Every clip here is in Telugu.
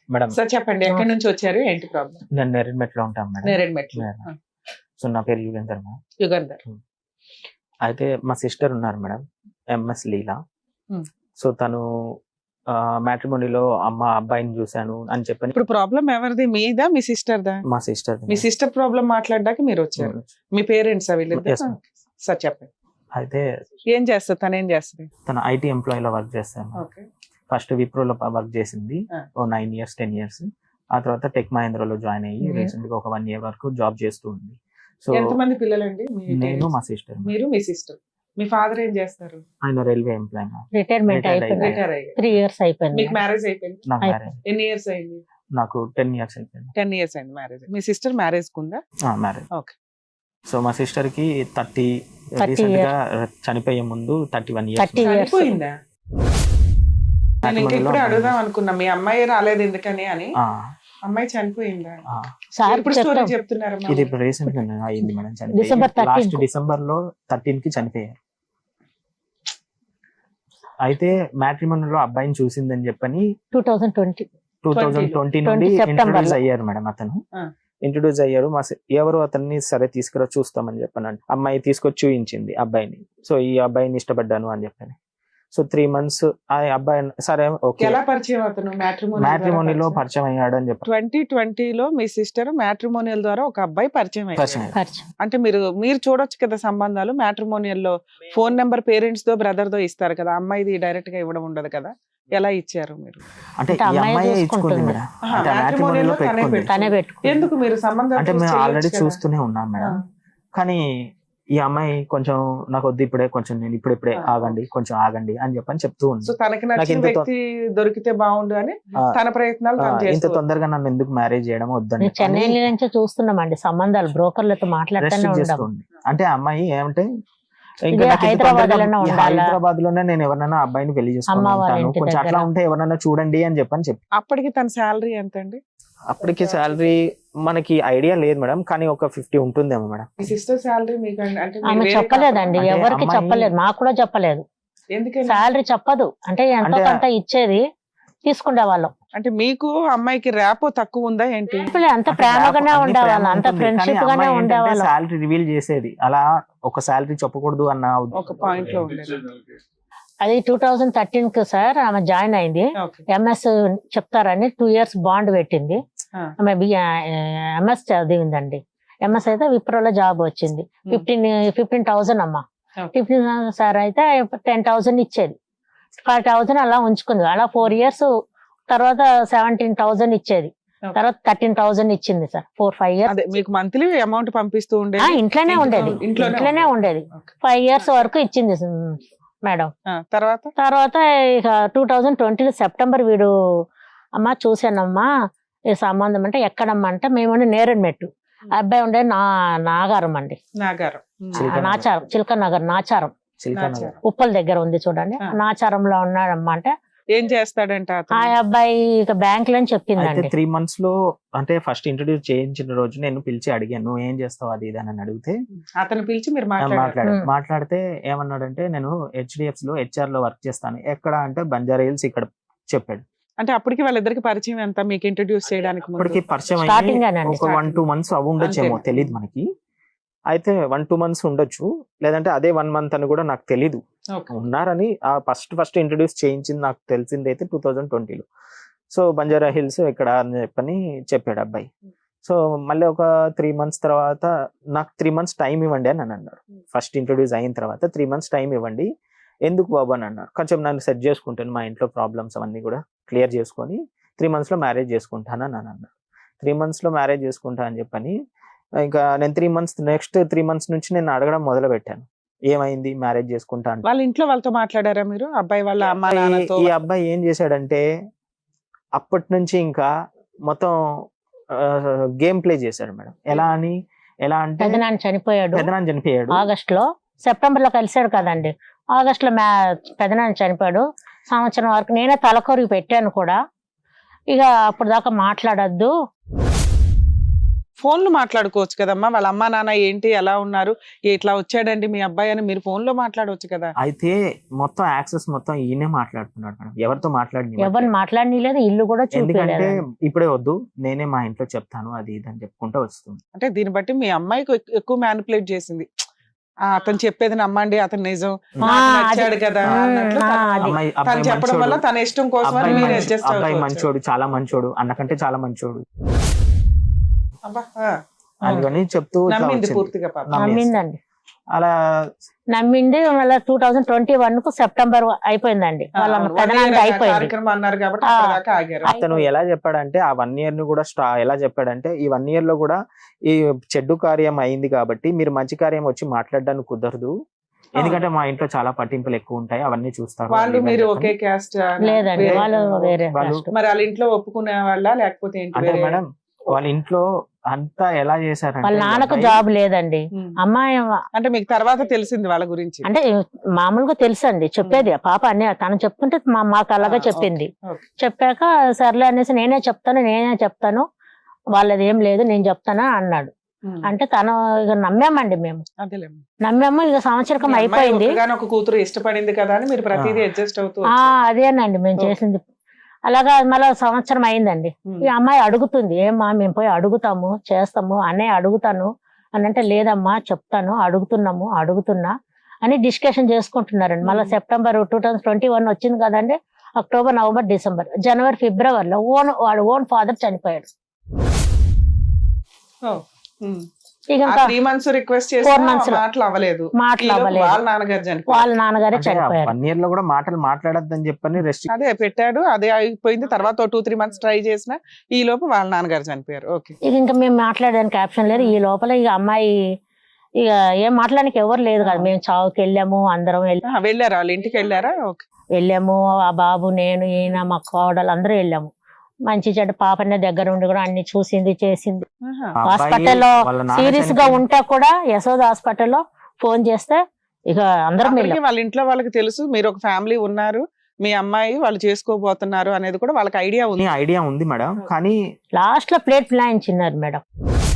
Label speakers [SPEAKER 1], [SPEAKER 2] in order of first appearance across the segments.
[SPEAKER 1] మేడం
[SPEAKER 2] సార్ చెప్పండి, ఎక్కడి నుంచి వచ్చారు, ఏంటి ప్రాబ్లం?
[SPEAKER 1] నేను నేరేడ్మెట్లో ఉంటాను మేడం.
[SPEAKER 2] నేరేడ్మెట్లు.
[SPEAKER 1] సో నా పేరు యుగేందర్ మేడం.
[SPEAKER 2] యుగంధర్.
[SPEAKER 1] అయితే మా సిస్టర్ ఉన్నారు madam, MS Leela.
[SPEAKER 2] Hmm.
[SPEAKER 1] So తను మ్యాట్రిమోనీలో అబ్బాయిని చూశాను అని చెప్పని.
[SPEAKER 2] ఇప్పుడు ప్రాబ్లం ఎవరిది, మీదా మీ సిస్టర్ దా?
[SPEAKER 1] మా సిస్టర్.
[SPEAKER 2] మీ సిస్టర్ ప్రాబ్లం మాట్లాడడానికి మీరు వచ్చారు. మీ పేరెంట్స్ వీళ్ళిద్దరు?
[SPEAKER 1] Yes, ma'am.
[SPEAKER 2] సార్ చెప్పండి,
[SPEAKER 1] అయితే
[SPEAKER 2] ఏం చేస్తారు, తను ఏం చేస్తుంది?
[SPEAKER 1] తన ఐటీ ఎంప్లాయీలో వర్క్ చేస్తాను.
[SPEAKER 2] ఓకే.
[SPEAKER 1] ఫస్ట్ విప్రోలో వర్క్ చేసింది ఓ 9 years 10 years. ఆ తర్వాత టెక్ మహేంద్రలో జాయిన్ అయ్యి రీసెంట్ గా ఒక 1 year వరకు జాబ్ చేస్తూ ఉంది. సో
[SPEAKER 2] ఎంతమంది పిల్లలండి?
[SPEAKER 1] నేను, మా సిస్టర్.
[SPEAKER 2] మీరు, మీ సిస్టర్. మీ ఫాదర్ ఏం చేస్తారు?
[SPEAKER 1] ఆయన రైల్వే ఎంప్లాయ్.
[SPEAKER 3] రిటైర్మెంట్ అయిపోయింది,
[SPEAKER 2] రిటైర్ అయ్యారు.
[SPEAKER 3] 3 years అయిపోయింది.
[SPEAKER 2] మీకు మ్యారేజ్ అయిపోయింది?
[SPEAKER 1] నాకు మ్యారేజ్
[SPEAKER 2] ఎన్ని ఇయర్స్ అయింది?
[SPEAKER 1] నాకు 10 years అయిపోయింది.
[SPEAKER 2] 10 years అయింది మ్యారేజ్. మీ సిస్టర్ మ్యారేజ్ కుందా?
[SPEAKER 1] మ్యారేజ్.
[SPEAKER 2] ఓకే.
[SPEAKER 1] సో మా సిస్టర్ కి 30 రీసెంట్ గా చనిపోయే ముందు 31 years.
[SPEAKER 3] 30 years.
[SPEAKER 2] చనిపోయిందా? నేను ఇంకా ఇప్పుడే అడుగుదాం అనుకున్నా, మీ అమ్మాయి రాలేదు ఎందుకని అని. అమ్మాయి చనిపోయిందా?
[SPEAKER 3] సార్
[SPEAKER 2] ఇప్పుడు స్టోరీ చెప్తున్నారా?
[SPEAKER 1] ఇది ఇప్పుడు రీసెంట్ గా అయింది madam.
[SPEAKER 3] December 13th.
[SPEAKER 1] Last December లో 13 కి చనిపోయారు. అయితే మ్యాట్రిమోనీలో అబ్బాయిని చూసిందని చెప్పని 2020 నుండి ఇంట్రొడ్యూస్ అయ్యారు మేడం. అతను ఇంట్రొడ్యూస్ అయ్యారు. ఎవరు అతన్ని సరే తీసుకురా చూస్తామని చెప్పాను. అమ్మాయి తీసుకొచ్చి చూయించింది అబ్బాయిని. సో ఈ అబ్బాయిని ఇష్టపడ్డాను అని చెప్పని. సో 3 months ఆ అబ్బాయి సరే ఓకే.
[SPEAKER 2] ఎలా పరిచయం అతను?
[SPEAKER 1] మ్యాట్రిమోనీలో పరిచయం అయ్యాడు అని చెప్పి
[SPEAKER 2] 2020లో మీ సిస్టర్ మ్యాట్రిమోనియల్ ద్వారా ఒక అబ్బాయి పరిచయం అయ్యారు. అంటే మీరు చూడొచ్చు కదా సంబంధాలు. మ్యాట్రిమోనియల్ లో ఫోన్ నెంబర్ పేరెంట్స్ దో బ్రదర్ దో ఇస్తారు కదా, అమ్మాయిది డైరెక్ట్ గా ఇవ్వడం ఉండదు కదా. ఎలా ఇచ్చారు మీరు?
[SPEAKER 1] అంటే ఈ అమ్మాయి ఇచ్చుకుంది మేడం. అంటే మ్యాట్రిమోనీలో పెట్టుకుంది.
[SPEAKER 2] ఎందుకు మీరు సంబంధం?
[SPEAKER 1] అంటే మేము ఆల్రెడీ చూస్తూనే ఉన్నాం మేడం. కానీ ఈ అమ్మాయి కొంచెం నాకు వద్దు ఇప్పుడే, కొంచెం నేను ఇప్పుడే ఆగండి, కొంచెం ఆగండి అని చెప్తూ ఉంది.
[SPEAKER 2] సో తనకి నచ్చిన వ్యక్తి దొరికితే బాగుండు అని తన ప్రయత్నాలు
[SPEAKER 1] ఇంత తొందరగా నన్ను ఎందుకు మ్యారేజ్ చేయడం వద్దని
[SPEAKER 3] చెన్నై నుంచి చూస్తున్నామండి సంబంధాలు, బ్రోకర్లతో మాట్లాడుతూనే.
[SPEAKER 1] అంటే అమ్మాయి ఏమంటే
[SPEAKER 3] హైదరాబాద్
[SPEAKER 1] లోనే నేను ఎవరైనా అబ్బాయిని పెళ్లి చేసుకుంటాను, కొంచెం అట్లా ఉంటే ఎవరైనా చూడండి అని చెప్పి.
[SPEAKER 2] అప్పటికి తన శాలరీ ఎంత అండి?
[SPEAKER 1] అప్పటికి శాలరీ మనకి ఐడియా లేదు మేడం, కానీ ఒక 50 ఉంటుందేమో మేడం.
[SPEAKER 2] మీ సిస్టర్ శాలరీ మీకు అంటే
[SPEAKER 3] ఆమె చెప్పలేదండి, ఎవరికి చెప్పలేదు, మాకు కూడా చెప్పలేదు.
[SPEAKER 2] ఎందుకంటే
[SPEAKER 3] శాలరీ చెప్పదు. అంటే ఎంతో కొంత ఇచ్చేది తీసుకునే వాళ్ళం.
[SPEAKER 2] అంటే మీకు అమ్మాయికి ర్యాపో తక్కువ ఉందా ఏంటి?
[SPEAKER 3] అంత ప్రేమగానే ఉండేవాళ్ళం, అంత ఫ్రెండ్షిప్ గానే ఉండేవాళ్ళం.
[SPEAKER 1] శాలరీ రివీల్ చేసేది అలా, ఒక శాలరీ చెప్పకూడదు అన్న ఒక
[SPEAKER 2] పాయింట్ లో ఉండేది.
[SPEAKER 3] అది 2013 కి సార్ ఆమె జాయిన్ అయింది. ఎంఎస్ చెప్తారని 2 years బాండ్ పెట్టింది. ఆమె ఎంఎస్ చదివిందండి. ఎంఎస్ అయితే విప్రోలో జాబ్ వచ్చింది. 15,000 అమ్మా. 15,000 సార్ అయితే 10,000 ఇచ్చేది. 5,000 అలా ఉంచుకుంది. అలా 4 years తర్వాత 17,000 ఇచ్చేది. తర్వాత 13,000 ఇచ్చింది సార్ 4-5 years.
[SPEAKER 2] మీకు మంత్లీ అమౌంట్ పంపిస్తూ ఉండేది?
[SPEAKER 3] ఇంట్లోనే ఉండేది. 5 years వరకు ఇచ్చింది మేడం. తర్వాత ఇక 2020 సెప్టెంబర్ వీడు అమ్మ చూసానమ్మా ఈ సంబంధం అంటే ఎక్కడమ్మా అంటే మేము నేరేడ్మెట్టు, అబ్బాయి ఉండే నాగారం అండి, నాచారం, చిలక నగర్ నాచారం, ఉప్పల్ దగ్గర ఉంది చూడండి, నాచారంలో ఉన్నాడమ్మా. అంటే
[SPEAKER 2] ఏం చేస్తాడంట
[SPEAKER 3] ఆ అబ్బాయి ఇక బ్యాంక్ లో చెప్పిందండి.
[SPEAKER 1] 3 months లో అంటే ఫస్ట్ ఇంట్రొడ్యూస్ చేయించిన రోజు నేను పిలిచి అడిగాను, నువ్వు ఏం చేస్తావు అది ఇది అని అడిగితే
[SPEAKER 2] అతను పిలిచి మీరు
[SPEAKER 1] మాట్లాడితే ఏమన్నాడంటే నేను HDFC లో HR లో వర్క్ చేస్తాను. ఎక్కడ అంటే బంజారా హిల్స్ ఇక్కడ చెప్పాడు.
[SPEAKER 2] అంటే అప్పటికి వాళ్ళిద్దరికి పరిచయం ఎంత మీకు ఇంట్రొడ్యూస్ చేయడానికి?
[SPEAKER 1] అప్పటికి పరిచయం ఒక 1-2 months అవి ఉండొచ్చేమో తెలియదు మనకి. అయితే 1-2 months ఉండొచ్చు, లేదంటే అదే 1 month అని కూడా నాకు తెలీదు. ఉన్నారని ఆ ఫస్ట్ ఇంట్రొడ్యూస్ చేయించింది నాకు తెలిసింది అయితే 2020లో. సో బంజారా హిల్స్ ఇక్కడ అని చెప్పాడు అబ్బాయి. సో మళ్ళీ ఒక 3 months తర్వాత నాకు 3 months టైం ఇవ్వండి అని అన్నారు. ఫస్ట్ ఇంట్రొడ్యూస్ అయిన తర్వాత 3 months టైం ఇవ్వండి. ఎందుకు బాబు అని అన్నారు. కొంచెం నన్ను సెట్ చేసుకుంటాను, మా ఇంట్లో ప్రాబ్లమ్స్ అవన్నీ కూడా క్లియర్ చేసుకొని 3 months లో మ్యారేజ్ చేసుకుంటాను అని అన్నారు. 3 months లో మ్యారేజ్ చేసుకుంటా అని చెప్పని ఇంకా నేను 3 months నెక్స్ట్ 3 months నుంచి నేను అడగడం మొదలు పెట్టాను, ఏమైంది మ్యారేజ్ చేసుకుంటా అంటే.
[SPEAKER 2] వాళ్ళ ఇంట్లో వాళ్ళతో మాట్లాడారా మీరు? అబ్బాయి వాళ్ళ అమ్మా నాన్నతో?
[SPEAKER 1] ఈ అబ్బాయి ఏం చేశాడంటే అప్పటి నుంచి ఇంకా మొత్తం గేమ్ ప్లే చేశాడు మేడం. ఎలా అంటే
[SPEAKER 3] పెదనాన్న చనిపోయాడు ఆగస్ట్ లో, సెప్టెంబర్ లో కలిసాడు కదండి. ఆగస్ట్ లో పెదనాన్న చనిపోయాడు. సంవత్సరం వరకు నేనే తలకొరికి పెట్టాను కూడా. ఇక అప్పుడు దాకా మాట్లాడద్దు,
[SPEAKER 2] ఫోన్లు మాట్లాడుకోవచ్చు కదమ్మా, వాళ్ళ అమ్మా నాన్న ఏంటి ఎలా ఉన్నారు, ఇట్లా వచ్చాడండి మీ అబ్బాయి అని మీరు ఫోన్ లో మాట్లాడవచ్చు కదా.
[SPEAKER 1] అయితే మొత్తం యాక్సెస్ మొత్తం ఈయనే మాట్లాడుతున్నాడు మేడం, ఎవరితో
[SPEAKER 3] ఎవరు మాట్లాడలేదు, ఇల్లు కూడా
[SPEAKER 1] ఎందుకంటే
[SPEAKER 3] చూపించలేదు.
[SPEAKER 1] ఇప్పుడే వద్దు నేనే మా ఇంట్లో చెప్తాను అది ఇది అని చెప్పుకుంటూ వస్తుంది.
[SPEAKER 2] అంటే దీన్ని బట్టి మీ అమ్మాయికి ఎక్కువ మ్యానిపులేట్ చేసింది. అతను చెప్పేది నమ్మండి, అతను నిజం, నాకు నచ్చాడు కదా అన్నట్లు తను చెప్పడం వల్ల తన ఇష్టం కోసం మీరు అడ్జస్ట్
[SPEAKER 1] అబ్బాయి మంచోడు, చాలా మంచోడు, అన్నకంటే చాలా మంచోడు అని చెప్తూ
[SPEAKER 2] నమ్మింది పూర్తిగా పాప.
[SPEAKER 3] నమ్మిందండి,
[SPEAKER 1] అలా
[SPEAKER 3] నమ్మింది. మళ్ళీ 2021 కు సెప్టెంబర్ అయిపోయిందండి, వాళ్ళ పెదనాన్న అయిపోయింది.
[SPEAKER 2] కార్యక్రమం అన్నారు కాబట్టి అప్పటిదాకా ఆగారు.
[SPEAKER 1] అతను ఎలా చెప్పాడంటే ఆ 1 year ని కూడా ఎలా చెప్పాడంటే ఈ 1 year లో కూడా ఈ చెడ్డు కార్యం అయింది కాబట్టి మీరు మంచి కార్యం వచ్చి మాట్లాడడానికి కుదరదు, ఎందుకంటే మా ఇంట్లో చాలా పట్టింపులు ఎక్కువ ఉంటాయి, అవన్నీ చూస్తారు.
[SPEAKER 2] వాళ్ళు మీరు ఒకే క్యాస్ట్?
[SPEAKER 3] లేదండి, వాళ్ళు వేరే
[SPEAKER 1] వాళ్ళు
[SPEAKER 3] caste.
[SPEAKER 2] మరి వాళ్ళ ఇంట్లో ఒప్పుకునే వాళ్ళ లేకపోతే ఏంటి?
[SPEAKER 1] అంటే మేడం వాళ్ళ ఇంట్లో అంతా ఎలా చేశారంటే
[SPEAKER 3] వాళ్ళ నాన్నకు
[SPEAKER 1] అబ్బాయి-
[SPEAKER 3] జాబ్ లేదండి, అమ్మాయి
[SPEAKER 2] అంటే మీకు తర్వాత తెలిసింది వాళ్ళ గురించి?
[SPEAKER 3] అంటే మామూలుగా తెలుసు అండి, చెప్పేది పాప అన్ని తను చెప్తుంటే మాకు అలాగే చెప్పింది.
[SPEAKER 2] ఓకే.
[SPEAKER 3] చెప్పాక సర్లే అనేసి నేనే చెప్తాను వాళ్ళది ఏం లేదు నేను చెప్తాను అన్నాడు. అంటే తను ఇక నమ్మామండి, మేము
[SPEAKER 2] అదేలేమ్మా.
[SPEAKER 3] నమ్మాము. ఇక సంవత్సరం
[SPEAKER 2] మీ అమ్మాయి
[SPEAKER 3] అయిపోయింది.
[SPEAKER 2] ఒక్కగానొక కూతురు ఇష్టపడింది కదా అని మీరు ప్రతిదీ అడ్జస్ట్ అవుతూ
[SPEAKER 3] అదేనండి మేము
[SPEAKER 2] ఓకే.
[SPEAKER 3] చేసింది. అలాగా మళ్ళీ సంవత్సరం అయిందండి. ఈ అమ్మాయి అడుగుతుంది, ఏమ్మా మేము పోయి అడుగుతాము చేస్తాము అన్నయ్య అడుగుతాను అని అంటే, లేదమ్మా చెప్తాను అడుగుతున్నా అని డిస్కషన్ చేసుకుంటున్నారండి. మళ్ళీ సెప్టెంబర్ 2021 వచ్చింది కదండి, అక్టోబర్ నవంబర్ డిసెంబర్ జనవరి ఫిబ్రవరిలో వాడు ఓన్ ఫాదర్ చనిపోయాడు. ఇక ఇంకా
[SPEAKER 2] 3 months రిక్వెస్ట్
[SPEAKER 3] 4 months
[SPEAKER 2] చేసి
[SPEAKER 3] లో
[SPEAKER 2] మాటలు అవ్వలేదు.
[SPEAKER 3] మాటలు అవ్వలేదు.
[SPEAKER 2] వాళ్ళ నాన్నగారు చనిపోయారు.
[SPEAKER 3] వాళ్ళ నాన్నగారే చనిపోయారు.
[SPEAKER 1] 1 year లో కూడా మాటలు మాట్లాడొద్దని చెప్పని రెస్ట్.
[SPEAKER 2] అదే పెట్టాడు, అదే అయిపోయింది. తర్వాత 2-3 months ట్రై చేసిన ఈ లోపు వాళ్ళ నాన్నగారు చనిపోయారు. ఓకే.
[SPEAKER 3] ఇక ఇంకా మేము మాట్లాడడానికి ఆప్షన్ లేదు. ఈ లోపల ఇక అమ్మాయి ఇక ఏం మాట్లాడడానికి ఎవరు లేదు కదా, మేము చావుకి వెళ్ళాము, అందరం
[SPEAKER 2] వెళ్ళారా వాళ్ళ ఇంటికి వెళ్ళారా? ఓకే.
[SPEAKER 3] వెళ్ళాము. ఆ బాబు, నేను, ఈయన, మా కోడలు అందరూ వెళ్ళాము. మంచి చెడ్డ పాపనే దగ్గర ఉండి కూడా అన్ని చూసింది చేసింది. హాస్పిటల్లో సీరియస్ గా ఉంటే కూడా యశోద హాస్పిటల్లో ఫోన్ చేస్తే ఇక అందరం వెళ్ళాం.
[SPEAKER 2] వాళ్ళ ఇంట్లో వాళ్ళకి తెలుసు మీరు ఒక ఫ్యామిలీ ఉన్నారు, మీ అమ్మాయి వాళ్ళు చేసుకోబోతున్నారు అనేది కూడా వాళ్ళకి
[SPEAKER 1] ఐడియా ఉంది మేడం. కానీ
[SPEAKER 3] లాస్ట్ లో ప్లేట్ ప్లాయించినారు మేడం.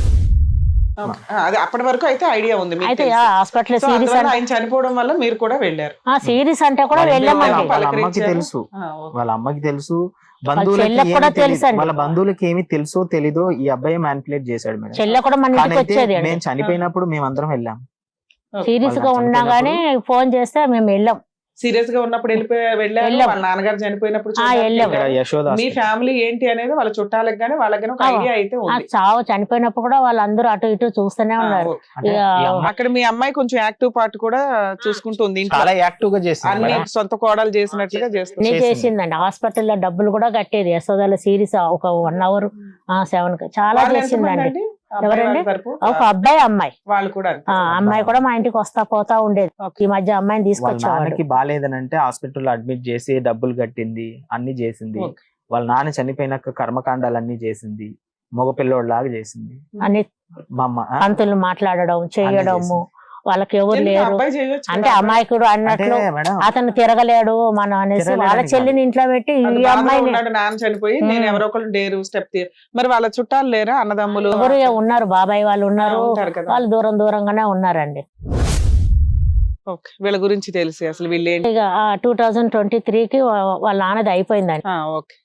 [SPEAKER 2] అది అప్పటి వరకు అయితే ఐడియా ఉంది మీకు
[SPEAKER 3] అయితే
[SPEAKER 2] తెలుసు.
[SPEAKER 3] హాస్పిటల్
[SPEAKER 2] సో
[SPEAKER 3] సీరియస్
[SPEAKER 2] అందువల్ల ఆయన చనిపోవడం వల్ల మీరు కూడా వెళ్ళారు.
[SPEAKER 3] సీరియస్ అంటే కూడా వెళ్ళామండి.
[SPEAKER 1] వాళ్ళ అమ్మకి తెలుసు, వాళ్ళ అమ్మకి తెలుసు,
[SPEAKER 3] చెల్లెకి కూడా తెలుసు అండి.
[SPEAKER 1] వాళ్ళ బంధువులకి ఏమి తెలుసో తెలీదో ఈ అబ్బాయి మ్యానిపులేట్ చేశాడు మేడం.
[SPEAKER 3] చెల్లె కూడా మన ఇంటికి వచ్చేది అండి.
[SPEAKER 1] మేము చనిపోయినప్పుడు మేమందరం వెళ్ళాం.
[SPEAKER 3] సీరియస్ గా ఉన్నా గానీ ఫోన్ చేస్తే మేము వెళ్ళాం.
[SPEAKER 2] సీరియస్ గా ఉన్నప్పుడు వెళ్ళారు. వాళ్ళ నాన్నగారు చనిపోయినప్పుడు
[SPEAKER 3] వెళ్ళాం.
[SPEAKER 1] యశోద
[SPEAKER 2] మీ ఫ్యామిలీ ఏంటి అనేది వాళ్ళ చుట్టాలకు గానీ వాళ్ళకి గానీ ఒక ఐడియా అయితే ఉంది.
[SPEAKER 3] చావు చనిపోయినప్పుడు కూడా వాళ్ళందరూ అటు ఇటు చూస్తూనే ఉన్నారు.
[SPEAKER 2] అక్కడ మీ అమ్మాయి కొంచెం యాక్టివ్ పార్ట్ కూడా చూసుకుంటుంది,
[SPEAKER 1] చాలా యాక్టివ్ గా చేస్తుంది
[SPEAKER 2] అన్ని సొంత కోడలు చేసినట్లుగా చేస్తుంది.
[SPEAKER 3] చేసిందండి. హాస్పిటల్లో డబ్బులు కూడా కట్టేది. యశోదల సీరియస్ ఒక 1 hour 7 చాలా చేసిందండి. ఎవరండి? ఒక అబ్బాయి అమ్మాయి.
[SPEAKER 2] వాళ్ళు కూడా
[SPEAKER 3] అమ్మాయి కూడా మా ఇంటికి వస్తా పోతా ఉండేది. ఈ మధ్య అమ్మాయిని తీసుకొచ్చేవాడు.
[SPEAKER 1] బాగాలేదనంటే హాస్పిటల్లో అడ్మిట్ చేసి డబ్బులు కట్టింది, అన్ని చేసింది. వాళ్ళ నాన్న చనిపోయినాక కర్మకాండాలన్నీ చేసింది, మగ పిల్లోడ్లాగా చేసింది.
[SPEAKER 3] అన్ని పంతులు మాట్లాడడం చేయడము, వాళ్ళకి ఎవరు లేరు అంటే అమాయకుడు అన్నట్లు అతను తిరగలేడు మనం అనేసి వాళ్ళ చెల్లిని ఇంట్లో పెట్టి ఈ అమ్మాయిని.
[SPEAKER 2] నాన్న చనిపోయి నేను ఎవరో ఒకళ్ళు డేరు స్టెప్. మరి వాళ్ళ చుట్టాలు లేరా? అన్నదమ్ములు
[SPEAKER 3] ఎవరు ఉన్నారు, బాబాయ్ వాళ్ళు ఉన్నారు, వాళ్ళు దూరంగానే ఉన్నారండి.
[SPEAKER 2] వీళ్ళ గురించి తెలిసి అసలు వీళ్ళు
[SPEAKER 3] ఇక 2023కి వాళ్ళ నాన్నది అయిపోయిందండి.
[SPEAKER 2] ఓకే.